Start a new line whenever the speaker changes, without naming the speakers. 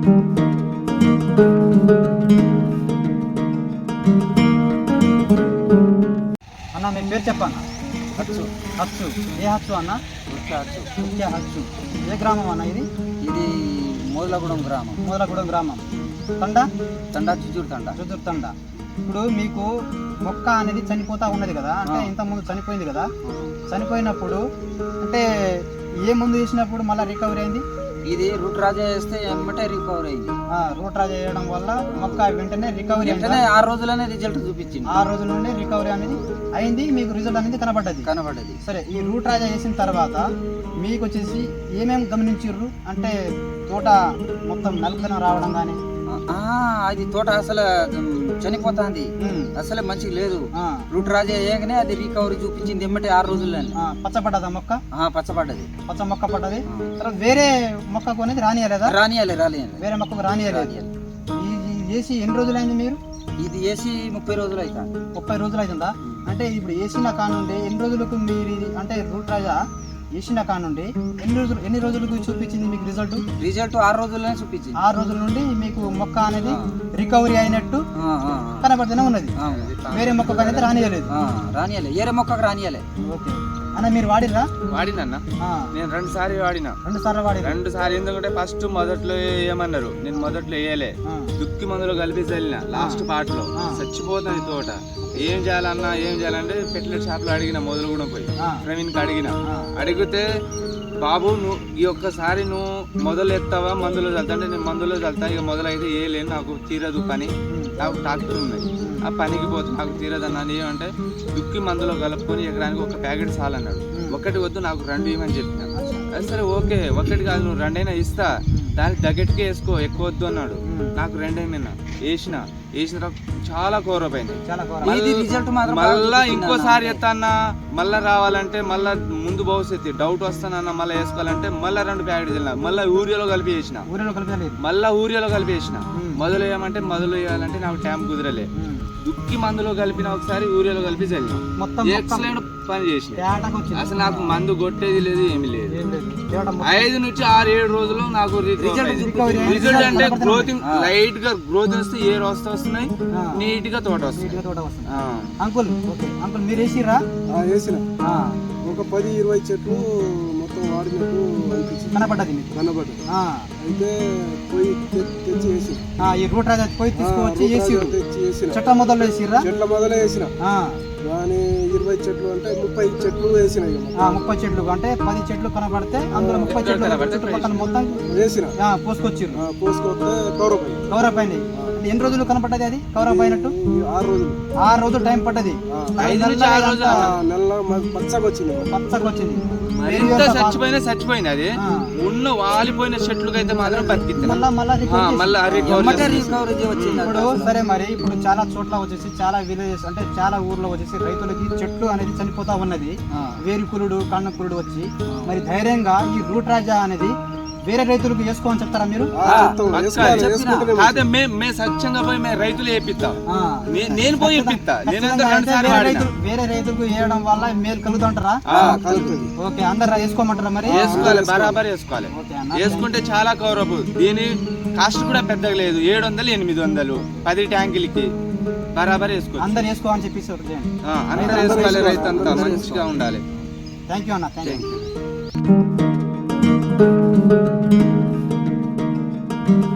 అన్న మీ పేరు చెప్పన్న.
హచ్చు.
హచ్చు. ఏ హచ్చు అన్న?
ముఖ్య హచ్చు.
ఏ గ్రామం అన్న ఇది?
ఇది మొదలగూడెం గ్రామం.
మొదలగూడెం గ్రామం. తండా
చుజూరు
తండా. ఇప్పుడు మీకు మొక్క అనేది చనిపోతా ఉన్నది కదా, అంటే ఇంతకుముందు చనిపోయింది కదా, చనిపోయినప్పుడు అంటే ఏ ముందు వేసినప్పుడు మళ్ళీ రికవరీ అయింది?
ఇది రూట్ రాజా వేస్తే ఎమ్మటే రికవరీ అయింది.
రూట్ రాజా వేయడం వల్ల మొక్క వెంటనే రికవరీ,
వెంటనే 6 రోజులనే రిజల్ట్ చూపించింది.
6 రోజుల నుండి రికవరీ అనేది అయింది, మీకు రిజల్ట్ అనేది కనబడ్డది. సరే, ఈ రూట్ రాజా వేసిన తర్వాత మీకు వచ్చేసి ఏమేమి గమనించారు? అంటే తోట మొత్తం నలుపుదనం రావడం కానీ,
అది తోట అసలు చనిపోతుంది, అసలే మంచిగా లేదు. రూట్ రాజా వేయగానే అది రికవరీ చూపించింది ఎమ్మటే 6 రోజుల్లోనే.
పచ్చపడ్డదా మొక్క?
పచ్చబడ్డది,
పచ్చ మొక్క పడ్డది. తర్వాత వేరే మొక్కకు అనేది రానియలేదా?
రానియాలి
వేరే మొక్కకు రానియలేదు. ఇది వేసి ఎన్ని రోజులు అయింది మీరు?
ఇది వేసి 30 రోజులు అవుతుంది.
30 రోజులు అవుతుందా? అంటే ఇప్పుడు వేసిన కానుండి ఎన్ని రోజులకు మీరు ఇది అంటే రూట్ రాజా వేసిన కానుండి ఎన్ని రోజులకు చూపించింది మీకు రిజల్ట్?
6 రోజుల్లోనే చూపించింది.
6 రోజుల నుండి మీకు మొక్క అనేది రికవరీ అయినట్టు కనబడుతూనే ఉన్నది. వేరే మొక్కకు అనేది రానియలేదు.
వేరే మొక్కకు రానియాలి.
ఓకే అన్న, మీరు వాడినా?
వాడినన్నా, నేను 2 సార్లు వాడినా.
2 సార్లు
ఎందుకంటే ఫస్ట్ మొదట్లో ఏమన్నారు, నేను మొదట్లో వేయలే, దుక్కి మందులు కలిపి చల్లిన. లాస్ట్ పార్ట్ లో చచ్చిపోతుంది తోట. ఏం చేయాలంటే పెట్లెట్ షాప్ లో అడిగిన, మొదలు కూడా పోయి ప్రవీణ్కి అడిగితే బాబు నువ్వు ఈ ఒక్కసారి నువ్వు మొదలు ఎత్తావా మందులో చల్తా అంటే నేను మందులో చల్తా, ఇక మొదలైతే వేయలేను, నాకు తీరదు పని, నాకు ట్రాక్టర్ ఉన్నాయి, ఆ పనికి పోతే నాకు తీరదు అన్నాను. ఏమంటే దుక్కి మందులో కలుపుకొని ఎకరానికి 1 ప్యాకెట్ చాలన్నాడు. 1 వద్దు నాకు 2 ఇవ్వమని చెప్పిన. అది సరే ఓకే, 1 కాదు నువ్వు 2 అయినా ఇస్తా, దానికి తగ్గట్టుకే వేసుకో, ఎక్కువ వద్దు అన్నాడు. నాకు 2 అయినా వేసిన చాలా కోరపోయింది. మళ్ళా ఇంకోసారి ఎత్తాన్నా, మళ్ళా రావాలంటే మళ్ళా ముందు భవిష్యత్తు డౌట్ వస్తానన్నా, మళ్ళీ వేసుకోవాలంటే మళ్ళీ 2 ప్యాకెట్ తిన్నా, మళ్ళీ ఊరియాలో కలిపి వేసిన. మొదలు వేయమంటే మొదలు వేయాలంటే నాకు టైం కుదరలే. దుక్కి మందులో కలిపిన ఒకసారి ఊరియాలో కలిపి చల్లిన, ఎక్సలెంట్ పని చేసిన. అసలు నాకు మందు కొట్టేది లేదు, ఏమి లేదు. 5 నుంచి 6-7 రోజులు నాకు రిజల్ట్ అంటే గ్రోతింగ్ లైట్ గా గ్రోత్ వస్తే ఏర్ వస్తున్నాయి, నీట్ గా తోట వస్తుంది.
అంకుల్ మీరు వేసిరా?
వేసిన ఒక 10-20 చెట్లు మొత్తం వాడినట్టు
కనబడ్డది.
అయితే పోయి తెచ్చి వేసి
ఈ రూట్ రాజా పోయి తీసుకువచ్చి వేసి చెట్ల మొదలు వేసిన.
కానీ 20 చెట్లు అంటే 30 చెట్లు వేసిన.
30 చెట్లు అంటే 10 చెట్లు కనబడితే అందులో 30 చెట్లు చుట్టుపక్కల మొత్తం
వేసిన, పోసుకొస్తే
కవరప్ అయినాయి. ఎన్ని రోజులు కనపడ్డది అది కవరప్ అయినట్టు? 6 రోజులు టైం పడ్డది. పచ్చకొచ్చింది.
చచ్చిపోయింది అది. ఉన్న వాలిపోయిన చెట్లుగా అయితే మాత్రం బతికింది.
ఇప్పుడు సరే, మరి ఇప్పుడు చాలా చోట్ల వచ్చేసి చాలా విలేజెస్ అంటే చాలా ఊర్లో వచ్చేసి రైతులకి చెట్లు అనేది చనిపోతా ఉన్నది, వేరుకులుడు కాండకులుడు వచ్చి. మరి ధైర్యంగా ఈ రూట్ రాజా అనేది వేరే రైతులకు వేసుకోమని చెప్తారా మీరు?
సత్యంగా పోయి మేము రైతులు వేపిస్తాం, నేను పోయి వేపిస్తా.
వేరే రైతులకు వేయడం వల్ల మేలు కలుగుతుంటారా? ఓకే, అందరు వేసుకోమంటారా? మరి
వేసుకోవాలి, బరాబర్ వేసుకోవాలి. వేసుకుంటే చాలా కౌరపు. దీని కాస్ట్ కూడా పెద్దగా లేదు, 700-800 10 ట్యాంకులకి బరాబర్ వేసుకోవాలి.
అందరు వేసుకోవాలని చెప్పేసి
అందరు వేసుకోవాలి, రైతు అంతా మంచిగా ఉండాలి.
థ్యాంక్ యూ అన్న, థ్యాంక్ యూ.